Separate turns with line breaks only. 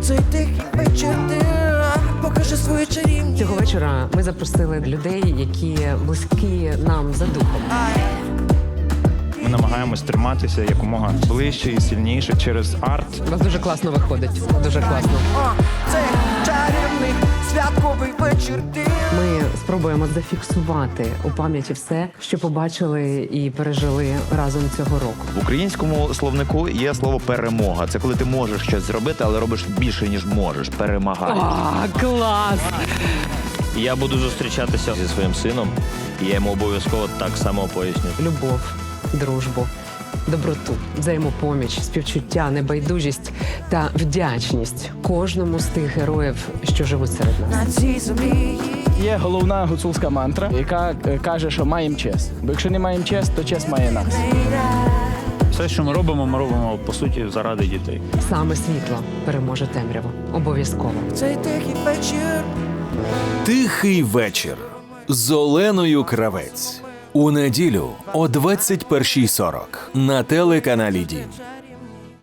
Цей тихий вечір ти покажи свою чарівність.
Цього вечора ми запросили людей, які близькі нам за духом.
Ми намагаємось триматися якомога ближче і сильніше через арт.
У вас дуже класно виходить. Дуже класно.
Цей чарівний святковий вечір ти.
Ми спробуємо зафіксувати у пам'яті все, що побачили і пережили разом цього року.
В українському словнику є слово перемога. Це коли ти можеш щось зробити, але робиш більше, ніж можеш. Перемагаєш.
Клас!
Я буду зустрічатися зі своїм сином, і я йому обов'язково так само поясню.
Любов, дружбу, доброту, взаємопоміч, співчуття, небайдужість та вдячність кожному з тих героїв, що живуть серед нас.
На цій землі.
Є головна гуцульська мантра, яка каже, що маємо честь. Бо якщо не маємо честь, то честь має нас.
Все, що ми робимо, по суті, заради дітей.
Саме світло переможе темряву. Обов'язково.
Цей тихий вечір.
Тихий вечір з Оленою Кравець. У неділю о 21:40 на телеканалі Дім.